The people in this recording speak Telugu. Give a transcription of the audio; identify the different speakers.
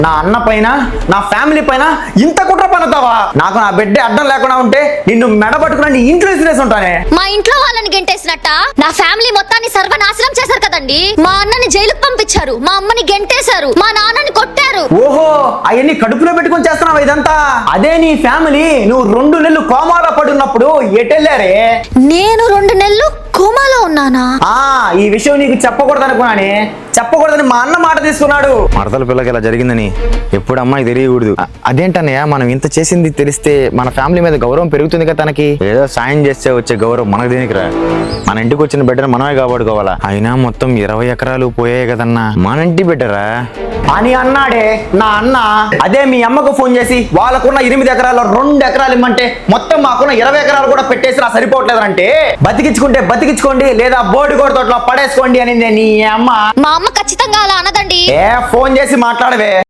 Speaker 1: నా అన్న పైన నా ఫ్యామిలీ పైన ఇంత కుట్ర పన్నుతావా? నాకు నా బిడ్డ అడ్డం లేకుండా ఉంటే నిన్ను మెడబట్టుకుని నీ ఇంట్లో ఇసిరేసి ఉంటానే.
Speaker 2: మా ఇంట్లో వాళ్ళని గెంటేసినట్ట నా ఫ్యామిలీ మొత్తాన్ని సర్వనాశనం చేశారు కదండి. మా అన్నని జైలుకు పంపించారు, మా అమ్మని గెంటేశారు, మా నాన్నని కొట్టారు.
Speaker 1: ఓహో, అవన్నీ కడుపులో పెట్టుకొని చేస్తున్నావా ఇదంతా? అదే నీ ఫ్యామిలీ నువ్వు 2 నెలలు కోమాలో పడున్నప్పుడు ఎటెళ్ళారే?
Speaker 2: నేను 2 నెలలు కోమాలో ఉన్నానా?
Speaker 1: ఈ విషయం నీకు చెప్పకూడదు అనుకున్నానే, చెప్పకూడదని మా అన్న మాట తీసుకున్నాడు. మరదల పిల్లకి ఇలా జరిగిందని ఎప్పుడు అమ్మాయి తెలియకూడదు. అదేంటన్నయ్య, మనం ఇంత చేసింది తెలిస్తే మన ఫ్యామిలీ మీద గౌరవం పెరుగుతుంది కదా తనకి. ఏదో సాయం చేస్తే వచ్చే గౌరవం మనకు దేనికిరా? మన ఇంటికి వచ్చిన బిడ్డను మనమే కాపాడుకోవాలా. అయినా మొత్తం 20 ఎకరాలు పోయాయి కదన్నా, మన ఇంటి బిడ్డరా అని అన్నాడే నా అన్న. అదే మీ అమ్మకు ఫోన్ చేసి వాళ్ళకున్న 8 ఎకరాల్లో 2 ఎకరాలు ఇమ్మంటే మొత్తం మాకున్న 20 ఎకరాలు కూడా పెట్టేసి నా సరిపోవట్లేదంటే, బతికించుకుంటే బతికించుకోండి లేదా బోర్డు కూడా తోటలో పడేసుకోండి అనిందే నీ అమ్మ.
Speaker 2: మా అమ్మ ఖచ్చితంగా అలా అనదండి.
Speaker 1: ఫోన్ చేసి మాట్లాడవే.